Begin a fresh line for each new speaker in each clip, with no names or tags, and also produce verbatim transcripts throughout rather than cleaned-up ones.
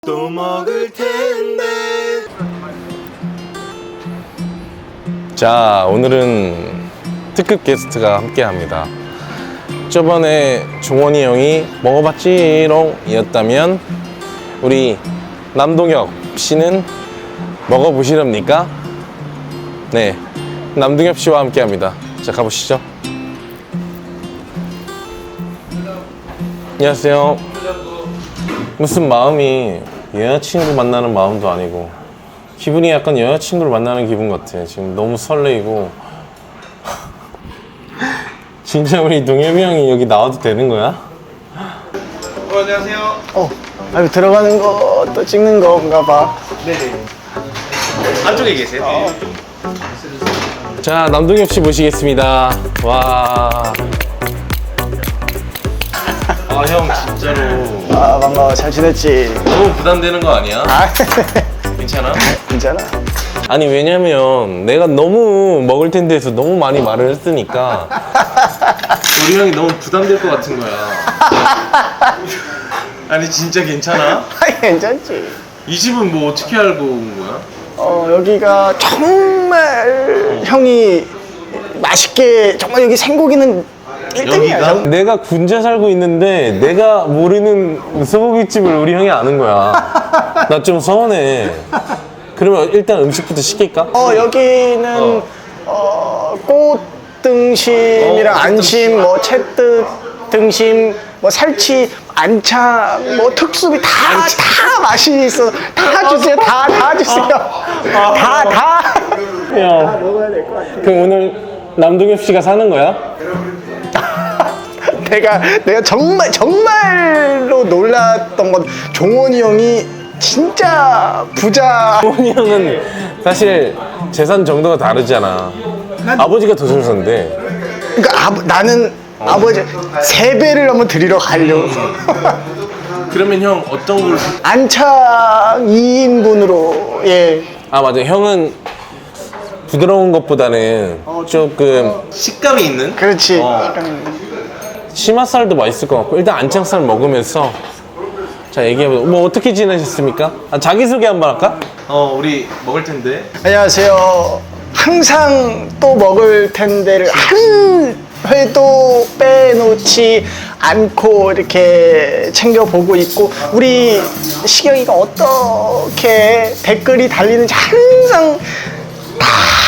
또 먹을 텐데.
자, 오늘은 특급 게스트가 함께 합니다. 저번에 종원이 형이 먹어봤지롱 이었다면 우리 남동엽 씨는 먹어보시렵니까? 네, 남동엽 씨와 함께 합니다. 자, 가보시죠. 안녕하세요. 무슨 마음이 여자친구 만나는 마음도 아니고 기분이 약간 여자친구를 만나는 기분 같아. 지금 너무 설레이고. 진짜 우리 동엽이 형이 여기 나와도 되는 거야?
어, 안녕하세요.
어, 아니 들어가는 것도 찍는 건가 봐.
네네. 안쪽에 계세요? 어.
자, 남동엽 씨 모시겠습니다. 와. 아, 형 진짜로
아, 반가워. 잘 지냈지?
너무 부담되는 거 아니야?
아,
괜찮아?
괜찮아.
아니, 왜냐면 내가 너무 먹을 텐데 해서 너무 많이 말을 했으니까 우리 형이 너무 부담될 것 같은 거야. 아니, 진짜 괜찮아?
아, 괜찮지.
이 집은 뭐 어떻게 알고 온 거야?
어, 여기가 정말 형이 맛있게, 정말 여기 생고기는 일 등이야.
여기가? 내가 군자 살고 있는데 내가 모르는 소고기집을 우리 형이 아는 거야. 나 좀 서운해. 그러면 일단 음식부터 시킬까?
어, 여기는 어, 꽃 등심이랑
어, 꽃
안심, 뭐 채뜻 등심, 뭐 살치, 안창, 뭐 특수비 다, 다 맛이 있어. 다 주세요. 다, 다 주세요. 다, 다.
야,
먹어야 될 것 같아.
그럼 오늘 남동엽 씨가 사는 거야?
내가 내가 정말 정말로 놀랐던 건 종원이 형이 진짜 부자.
종원이 형은 사실 재산 정도가 다르잖아. 아버지가 더 잘 산대.
그러니까 아버, 나는 아버지 세 배를 한번 드리러 가려고.
그러면 형 어떤 걸?
안창 이 인분으로. 예.
아, 맞아. 형은 부드러운 것보다는 조금 식감이 있는?
그렇지.
어.
약간
치맛살도 맛있을 것 같고. 일단 안창살 먹으면서 자, 얘기해보자. 뭐 어떻게 지내셨습니까? 아, 자기소개 한번 할까? 어, 우리 먹을 텐데.
안녕하세요. 항상 또 먹을 텐데를 한 회도 빼놓지 않고 이렇게 챙겨보고 있고, 우리 시경이가 어떻게 댓글이 달리는지 항상 다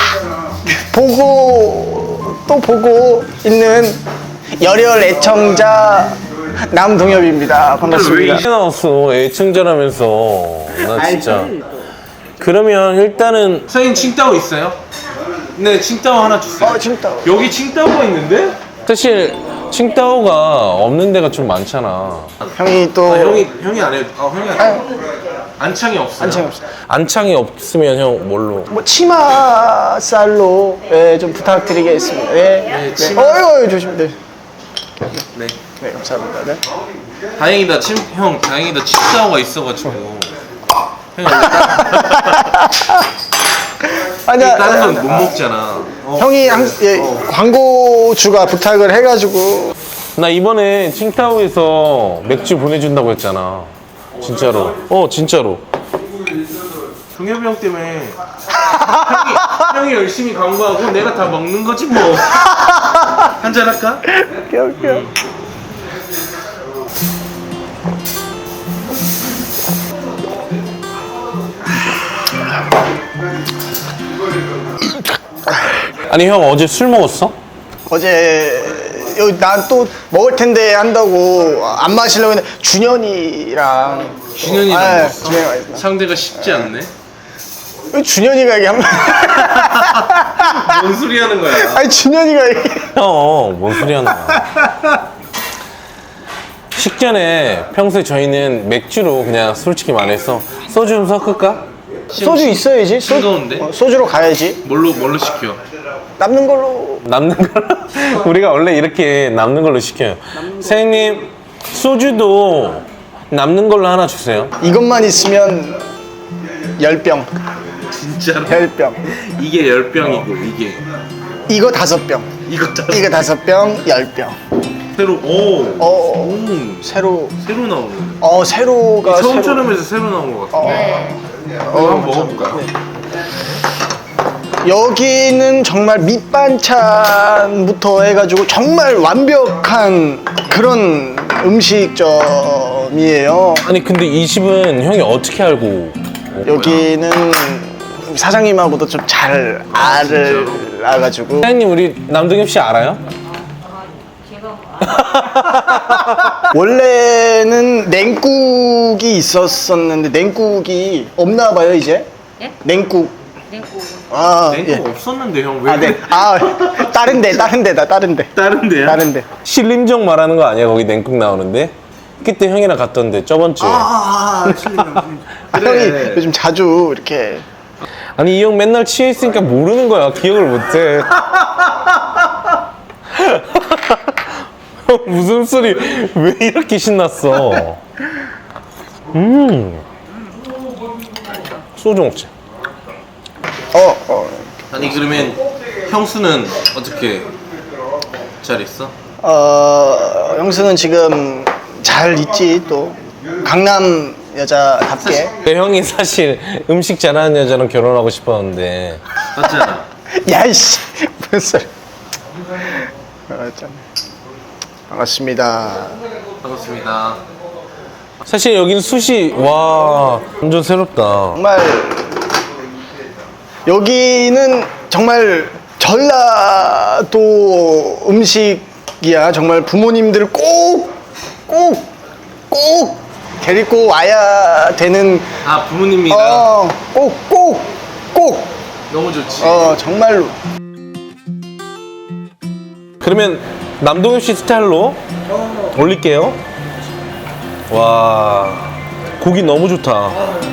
보고 또 보고 있는 열혈 애청자 남동엽입니다. 반갑습니다.
왜 이제 나왔어? 애청자라면서. 나 진짜. 그러면 일단은 선생님 칭따오 있어요? 네, 칭따오 하나 주세요.
어, 진짜.
여기 칭따오가 있는데? 사실 칭따오가 없는 데가 좀 많잖아.
형이 또
아, 형이 형이 안 해. 아, 형이 안 해. 안창이 없어요.
안창이 없어.
안창이 없으면 형 뭘로?
뭐 치마살로 예, 좀 부탁드리겠습니다. 예. 네.
치마.
어유, 어유 조심. 네.
네.
네, 감사합니다. 네.
다행이다. 침, 형 다행이다. 칭따오가 있어가지고. 형이
아니야.
다른 건 못 먹잖아. 어.
형이 한, 예, 광고주가 부탁을 해가지고.
나 이번에 칭따오에서 맥주 보내준다고 했잖아. 진짜로. 어, 진짜로. 동엽이 형 때문에 형이, 형이 열심히 광고하고 내가 다 먹는 거지 뭐. 한잔 할까?
웃겨, 웃겨.
아니, 형 어제 술 먹었어?
어제 여기 난 또 먹을 텐데 한다고 안 마시려고 했는데 준현이랑
준현이랑
아,
먹었어?
준현이가 있어.
상대가 쉽지 않네.
왜 준현이가 이게 한 번.
뭔 소리 하는 거야?
아니 준현이가 이게.
형, 뭔 소리 하는 거야? 식전에 평소에 저희는 맥주로 그냥 솔직히 말해서 소주 좀 섞을까?
소주 있어야지. 소,
싱거운데?
어, 소주로 가야지.
뭘로 뭘로 시켜?
남는 걸로.
남는 걸로? 우리가 원래 이렇게 남는 걸로 시켜요. 선생님, 소주도 남는 걸로 하나 주세요.
이것만 있으면 열 병.
진짜로?
열 병.
이게 열 병이고 이게
이거 다섯 병.
이거 다
이거 다섯 병, 열 병.
새로 오.
어,
오.
새로
새로 나오네.
어 새로가
처음처럼 해서 새로 나온 것 같아.
네.
어, 한번 먹어볼까요?
여기는 정말 밑반찬부터 해가지고 정말 완벽한 그런 음식점이에요.
아니 근데 이 집은 형이 어떻게 알고 온 거야?
여기는 사장님하고도 좀 잘 알을 알아가지고.
사장님 우리 남동엽 씨 알아요?
원래는 냉국이 있었었는데 냉국이 없나 봐요 이제.
예?
냉국.
냉국.
아,
냉국
예.
없었는데 형 왜?
아, 네. 아, 다른 데, 다른 데다, 다른 데.
다른 데야?
다른 데.
신림정 말하는 거 아니야? 거기 냉국 나오는데? 그때 형이랑 갔던데 저번 주에.
아, 아, 형이 요즘 자주 이렇게.
아니 이 형 맨날 취해 있으니까 모르는 거야. 기억을 못해. 형 무슨 소리? 왜 이렇게 신났어? 음. 소주 먹자.
어, 어.
아니 그러면 형수는 어떻게 잘 있어?
어, 형수는 지금 잘 있지, 또. 강남 여자답게.
그 형이 사실 음식 잘하는 여자랑 결혼하고 싶었는데 맞잖아.
야, 이씨. 무슨 소리. 어, 참. 반갑습니다.
반갑습니다. 사실 여기는 숯이 와 완전 새롭다.
정말 여기는 정말 전라도 음식이야. 정말 부모님들 꼭, 꼭, 꼭 데리고 와야 되는.
아 부모님이랑
어, 꼭, 꼭, 꼭.
너무 좋지.
어, 정말로.
그러면 남동엽 씨 스타일로 올릴게요. 와 고기 너무 좋다.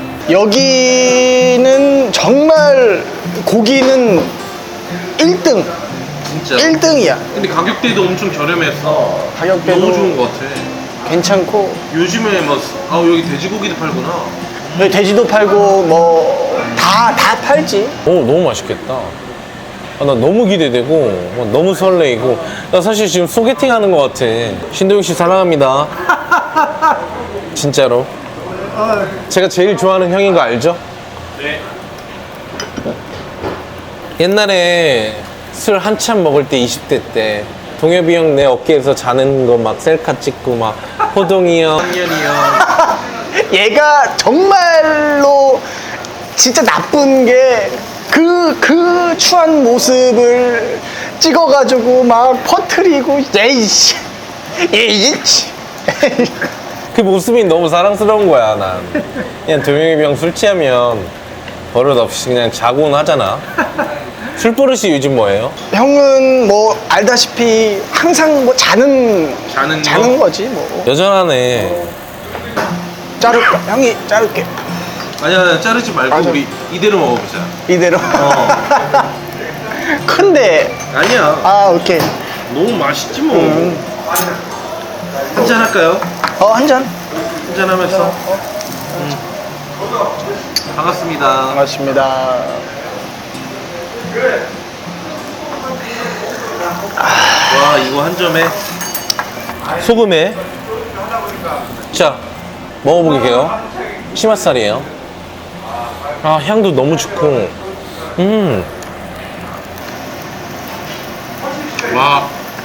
여기는 정말 고기는 일 등.
진짜.
일 등이야.
근데 가격대도 엄청 저렴했어.
가격대도
너무 좋은 것 같아.
괜찮고.
요즘에 막 아 여기 돼지고기도 팔구나.
여기 돼지도 팔고 뭐 다 다 팔지.
오 너무 맛있겠다. 아, 나 너무 기대되고 어, 너무 설레이고 나 사실 지금 소개팅 하는 것 같아. 신동엽 씨 사랑합니다. 진짜로. 제가 제일 좋아하는 형인 거 알죠? 네. 옛날에 술 한참 먹을 때 이십 대 때 동엽이 형 내 어깨에서 자는 거 막 셀카 찍고 막 호동이 형, 상현이 형.
얘가 정말로 진짜 나쁜 게 그, 그 추한 모습을 찍어가지고 막 퍼트리고, 에이씨, 에이씨.
그 모습이 너무 사랑스러운 거야 난. 그냥 동엽이 형 술 취하면 버릇없이 그냥 자고는 하잖아. 술 버릇이 요즘 뭐예요?
형은 뭐 알다시피 항상 뭐 자는,
자는
자는
거?
거지 뭐.
여전하네.
자를까? 형이 자를게.
아니야 자르지 말고
맞아.
우리 이대로 먹어보자.
이대로.
어.
큰데.
아니야
아, 오케이.
너무 맛있지 뭐.
음.
한잔 할까요?
어, 한 잔.
한잔 하면서. 음. 반갑습니다.
반갑습니다.
와 이거 한 점에 소금에 자 먹어볼게요. 치맛살이에요. 아 향도 너무 좋고 음. 와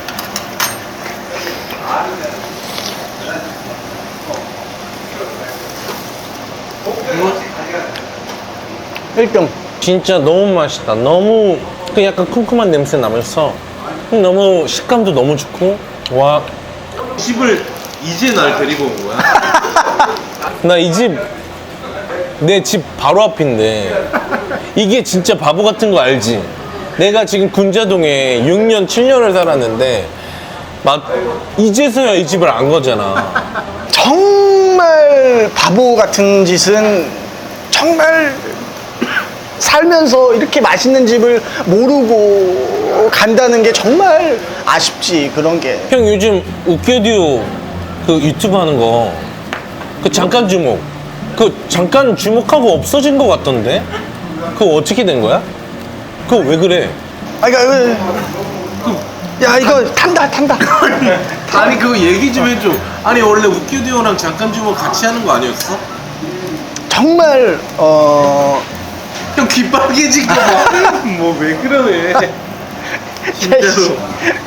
일 등.
진짜 너무 맛있다. 너무 그 약간 쿰쿰한 냄새 나면서 너무 식감도 너무 좋고 와 집을 이제 날 데리고 온 거야? 나 이 집 내 집 바로 앞인데 이게 진짜 바보 같은 거 알지? 내가 지금 군자동에 육 년, 칠 년을 살았는데 막 이제서야 이 집을 안 거잖아.
정말 바보 같은 짓은 정말 살면서 이렇게 맛있는 집을 모르고 간다는 게 정말 아쉽지, 그런 게.
형 요즘 웃겨듀오 그 유튜브 하는 거 그 잠깐 주목 그 잠깐 주목하고 없어진 거 같던데? 그거 어떻게 된 거야? 그거 왜 그래?
아, 그러니까 그 야 이거 탄다 탄다.
아니 그거 얘기 좀 해줘. 아니 원래 웃기디오랑 잠깐 주면 같이 하는 거 아니었어?
정말 어
형 귀 빨개진 거 봐. 뭐 왜 그러네. 진짜로.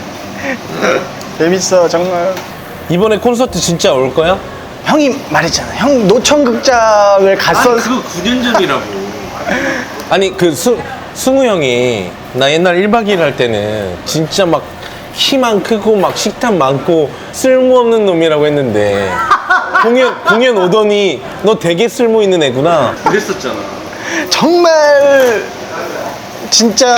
재밌어 정말.
이번에 콘서트 진짜 올 거야?
형이 말했잖아. 형 노천극장을 갔어.
아니 그거 구 년 전이라고.
아니 그 수, 승우 형이 나 옛날 일 박 이 일 할 때는 진짜 막 키만 크고 막 식탐 많고 쓸모없는 놈이라고 했는데 공연 공연 오더니 너 되게 쓸모 있는 애구나.
그랬었잖아.
정말 진짜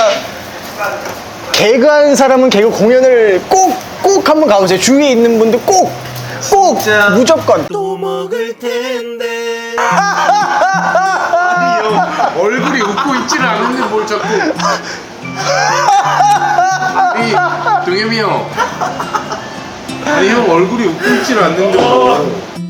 개그하는 사람은 개그 공연을 꼭 꼭 한번 가보세요. 주위에 있는 분들 꼭 꼭
진짜.
무조건.
또 먹을 텐데. 아니 형 얼굴이 웃고 있지를 않는데 뭘 자꾸. 아니 동엽이 형. 아니 형 얼굴이 웃고 있지를 않는데 뭐.